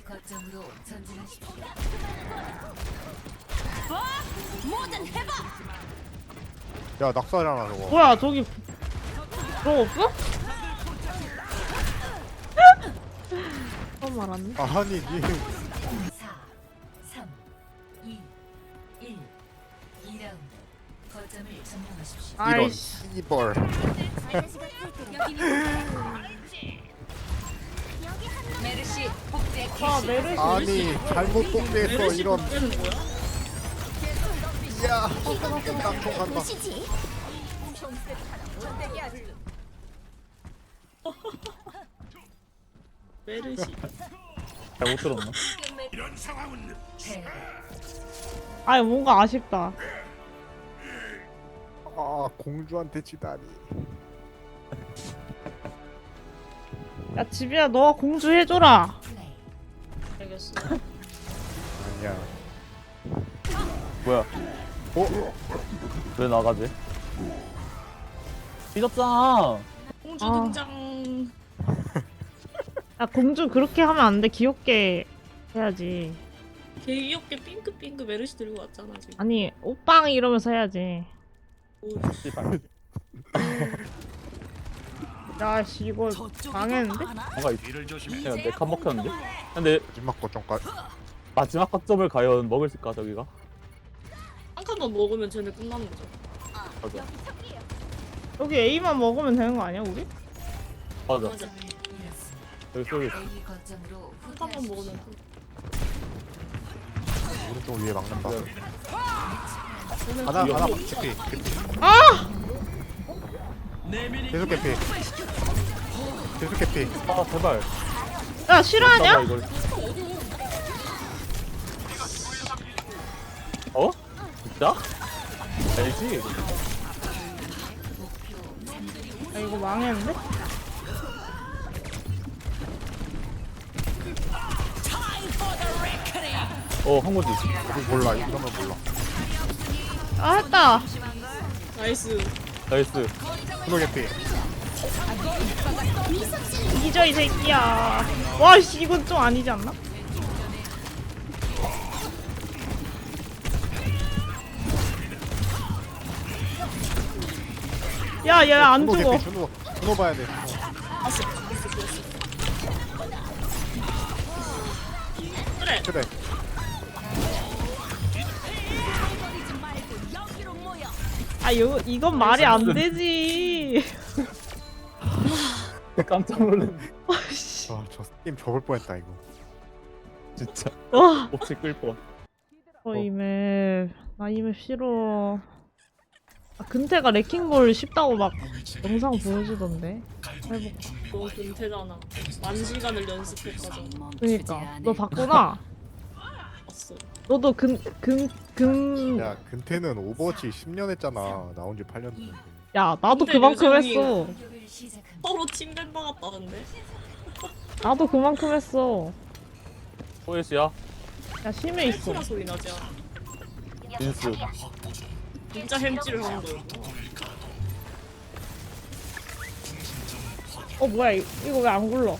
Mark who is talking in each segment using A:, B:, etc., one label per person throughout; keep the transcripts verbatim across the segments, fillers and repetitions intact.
A: A 거점으로 전진하십시오.
B: 뭐든 해봐.
C: 야 낙사잖아 저거.
D: 뭐야 저기 그런 거 없어? 처음 알았네.
C: 아니 니
A: 사, 삼, 이, 일. 이 라운드. 거점을 점령하십시오.
C: 이런
D: 아이씨.
C: 씨벌.
A: 메르시 복제
D: 아
A: 개시.
D: 메르시.
C: 아니 잘못 복제했어
D: 메르시
C: 이런.
D: 복제는 뭐야?
C: 야 깡총 간다.
D: 메르시.
E: 잘못 들었나?
A: 패.
D: 아니 뭔가 아쉽다.
C: 아 공주한테 지다니.
D: 야 지비야 너가 공주 해줘라.
A: 플레이.
D: 알겠어.
C: 아니야.
E: 뭐야?
C: 어?
E: 왜 나가지? 삐졌잖아.
D: 공주 등장. 야 공주 그렇게 하면 안 돼. 귀엽게 해야지.
F: 개 귀엽게 핑크핑크 메르시 들고 왔잖아 지금.
D: 아니 오빵 이러면서 해야지.
E: 씨발.
D: 야씨 이거 망했는데?
E: 뭔가 있... 내가 내칸 먹혔는데? 근데
C: 마지막 거점까지.
E: 마지막 거점을 과연 먹을 수 있을까 저기가?
F: 한 칸만 먹으면 쟤네 끝나는 거죠.
E: 맞아.
D: 여기 A만 먹으면 되는 거 아니야 우리?
E: 맞아.
F: 맞아.
A: 거점을 잃었습니다.
E: 여기 쏘리.
A: A 거점으로
F: 한 칸만 먹으면 끝.
C: 오른쪽 위에 막는다.
F: 쟤는
C: 하나
E: 이거.
C: 하나 개피 개피.
D: 아!
C: 계속 개피. 계속 개피.
E: 아 제발.
D: 야 싫어하냐?
E: 봐봐, 이걸. 어? 진짜? 알지?
D: 아 이거 망했는데?
E: 어 한 거지.
C: 이거 몰라 이러면 몰라.
D: 아 했다.
F: 나이스.
E: 나이스.
C: 프로 개피.
D: 잊어 이 새끼야. 와씨 이건 좀 아니지 않나? 야야 안
C: 준호
D: 죽어.
C: 개피 준호. 준호 봐야 돼.
F: 그래.
C: 그래.
D: 아 이거 이건 말이 안 되지.
E: 깜짝 놀랐네.
D: 와씨.
C: 아저 게임 접을 뻔했다 이거.
E: 진짜.
D: 와.
E: 혹시 끌 뻔.
D: 어 이맵 나 이맵 싫어. 아 근태가 레킹볼 쉽다고 막 영상 보여주던데. 해볼까.
F: 너 근태잖아. 만 시간을 연습했거든.
D: 그니까 너 봤구나.
F: 봤어.
D: 너도 근근근
C: 야 근태는 오버워치 십 년 했잖아. 나온 지 팔 년 됐는데.
D: 야 나도
F: 근데
D: 그만큼
F: 요즘이-
D: 했어.
A: 공격을 시작합니다.
F: 서로 침뱉 박았다는데.
D: 나도 그만큼 했어.
E: 호예씨야.
D: 야 심해 있어.
F: 햄찌라 소리 나지 않아.
E: 민스.
F: 진짜 햄찌를 하는 거.
D: 어 뭐야 이- 이거 왜 안 굴러?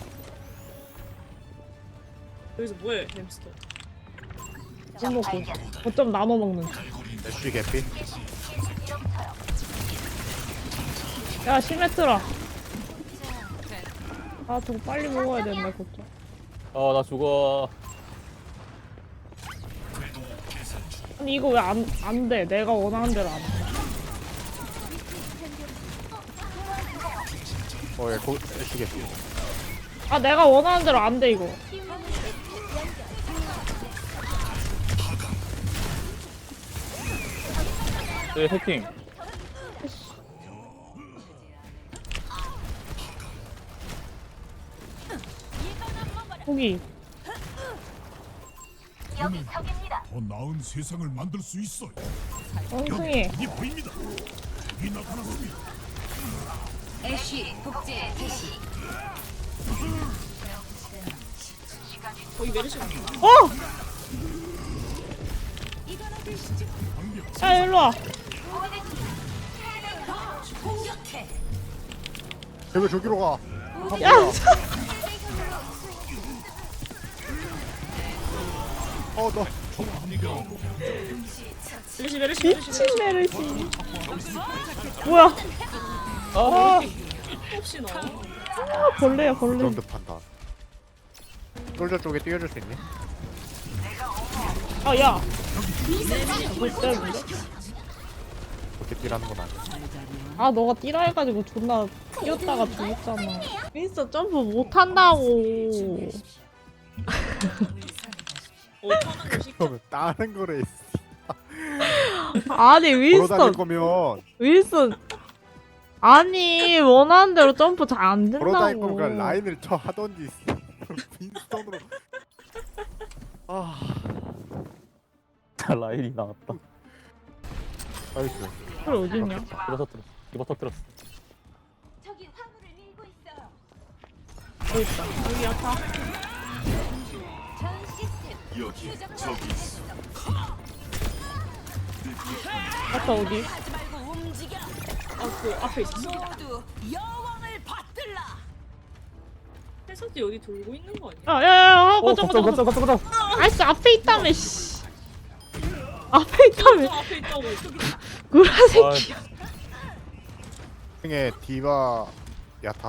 F: 여기서 뭐해 햄스터.
D: 안 먹고 어쩜 나눠 먹는.
C: 애쉬 개피.
D: 야 시메트라. 아 저거 빨리 먹어야 된다 걱정.
E: 아 나 죽어.
D: 아니 이거 왜 안 안 돼? 내가 원하는 대로 안 돼.
C: 어예 애쉬 개피.
D: 아 내가 원하는 대로 안 돼 이거.
E: 네 해킹.
D: 포기.
G: 더 나은 세상을 만들 수 있어요.
D: 원숭이.
G: 이 보입니다. 이 나타났습니다.
A: 애쉬 복제 개시.
F: 거기 메르시 같아.
D: 어! 야 일로 와.
C: 쟤왜 저기로 가?
D: 야.
C: 어너
F: 메르시 메르시 메르시
D: 미친 메르시. 뭐야?
E: 아
F: 혹시 나와?
D: 아, 벌레야 벌레.
C: 그런 듯한다. 솔저 쪽에 뛰어줄 수 있니?
D: 아 야. 뭐 때문에?
C: 그렇게 뛰라는 건 아니야.
D: 아 너가 뛰라 해가지고 존나 뛰었다가 죽었잖아. 윈스턴 점프 못 한다고.
F: 어 타는 거 시켜.
C: 그러면 다른 거래.
D: 아니
C: 걸어 다닐
D: 윈스턴
C: 거면
D: 윈스턴. 아니 원하는 대로 점프 잘 안
C: 걸어 다닐 거면
D: 된다고.
C: 그냥 라인을 쳐 하던지. 빈스턴으로. 아
E: 라인이 나왔다.
C: 나이스.
D: 그래 어딨냐?
E: 이거 터뜨렸어. 이거 터뜨렸어.
B: 저기 화물을 밀고 있어요.
D: 여기 있다.
F: 여기 아파.
B: 전 시스템 휴정
D: 아까 어디?
B: 하지 말고 움직여.
F: 아그 앞에 있었어.
B: 모두 여왕을 받들라.
F: 해석이 어디 돌고 있는 거 아니야?
D: 아 야야야 아,
E: 어
D: 가자
E: 걱정
D: 가자 가자.
E: 걱정 걱정 걱정.
D: 아이씨 앞에 있다며 씨. 앞에
F: 저
D: 있다며.
F: 앞에 있다고.
D: 구라
E: 아,
D: 새끼야.
C: 중에 디바 야타.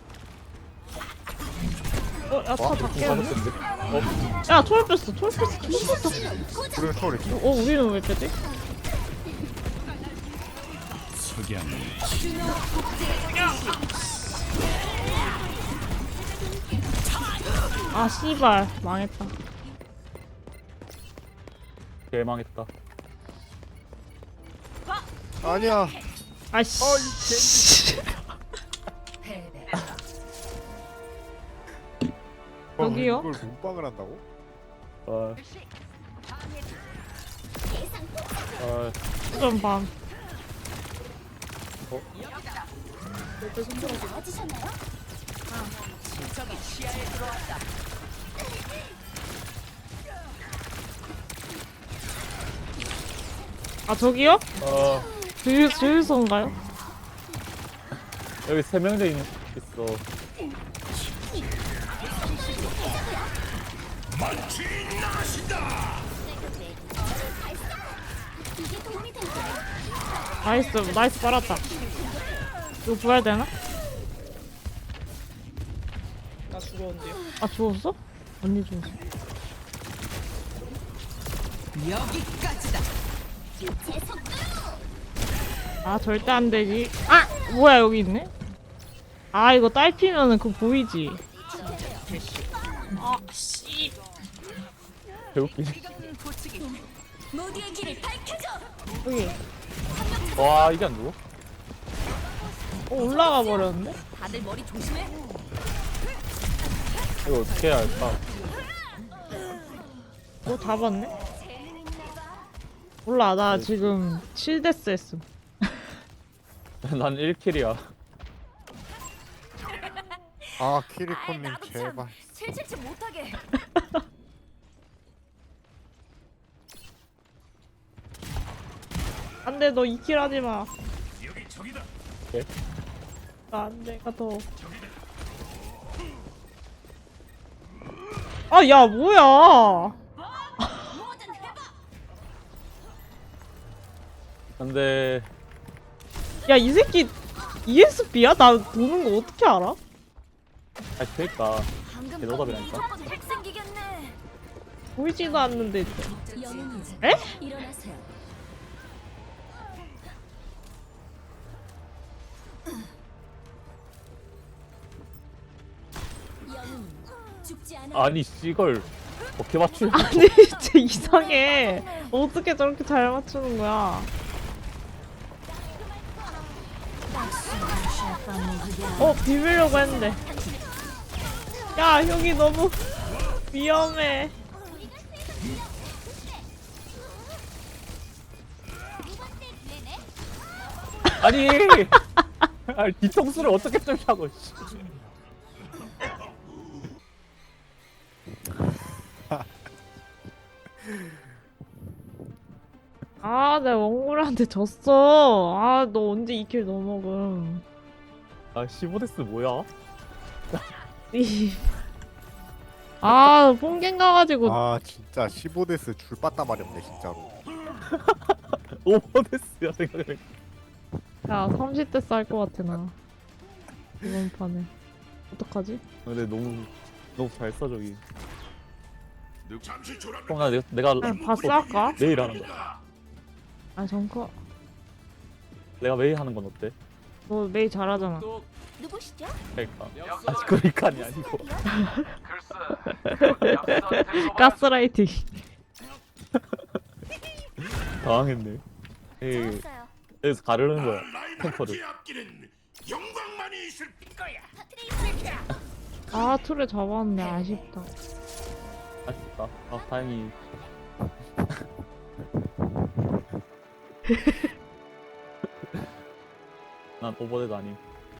D: 어 야타
C: 와,
D: 닦겠는데?
E: 맞았는데. 어
D: 야 초월 뺐어 초월 뺐어 초월 뺐어.
C: 우리는 초월 있어.
D: 어 우리는 왜 빼지?
G: 석양
D: 아 씨발 망했다.
E: 개망했다.
C: 아니야.
D: 아씨.
A: 패배.
C: 어,
D: 여기요?
C: 이걸 몸빵을 한다고?
E: 아. 아
D: 좀 봐.
F: 옆에 손들어서.
B: 맞으셨나요?
D: 아 저기요?
E: 어,
D: 주유 주유소인가요?
E: 여기 세 명째 있어.
B: 이게 도움이 될 거예요.
D: 나이스 나이스 빨았다. 이거 부활 되나?
F: 나 죽었는데요.
D: 아 죽었어? 언니 죽었어.
B: 제 속도로.
D: 아 절대 안 되지. 아 뭐야 여기 있네. 아 이거 딸피면은 그거 보이지.
F: 아 씨.
E: 배웃기네.
B: 모두의 길을 밝혀줘.
D: 여기.
E: 와 이게 안 죽어?
D: 어 올라가 버렸는데?
B: 다들 머리 조심해.
E: 이거 어떻게 해야 할까?
D: 어 잡았네? 몰라 나 지금 칠 데스 했음.
E: 난 일 킬이야.
C: 아
B: 아이,
C: 키리코님
B: 나도 참
C: 제발.
B: 칠칠치 못하게.
D: 안돼 너 이 킬 하지 마.
E: 예?
D: 안 내가 더. 아 야 뭐야?
B: 뭐든 해봐.
E: 근데
D: 야 이 새끼 이에스피야? 나 보는 거 어떻게 알아?
E: 아 그니까
B: 방금
E: 개노답이라니까.
B: 무조건 핵 생기겠네.
D: 보이지도 않는데.
B: 영웅이자.
D: 에?
B: 일어나세요. 영웅 죽지 않아.
E: 아니 씨걸 어떻게 맞추려?
D: 아니 진짜 이상해. 어떻게 저렇게 잘 맞추는 거야? 어 비비려고 했는데. 야 여기 너무 위험해.
E: 아니 아니 뒤통수를 어떻게 뚫냐고. 씨.
D: 아 내가 원골한테 졌어. 아 너 언제 이 킬 넘어금.
E: 아 십오 데스 뭐야?
D: 이 아 뽕갱 가가지고
C: 아 진짜 십오 데스 줄 빠따 마렵네 진짜로.
E: 오버데스야 생각해.
D: 야 삼십 대 쌀 것 같아 나 이번 판에 어떡하지?
E: 근데 너무 너무 잘 써 저기.
G: 잠시 졸아.
E: 그럼 나 내가 내가
D: 그냥 바스 할까?
E: 매일 하는 거야.
D: 아 정커
E: 내가 매일 하는 건 어때?
D: 너 메이 잘하잖아
B: 누구시죠?
E: 그러니까. 아직 그러니까이 아니고.
D: 가스라이팅
E: 당황했네. 에이,
B: 좋았어요.
E: 여기서 가르는 거야. 탱커를.
G: 라인하르트의 앞길은 영광만이 있을 거야.
D: 아 툴에 잡았네 아쉽다
E: 아쉽다. 아 다행히. 난 오버데드 아님.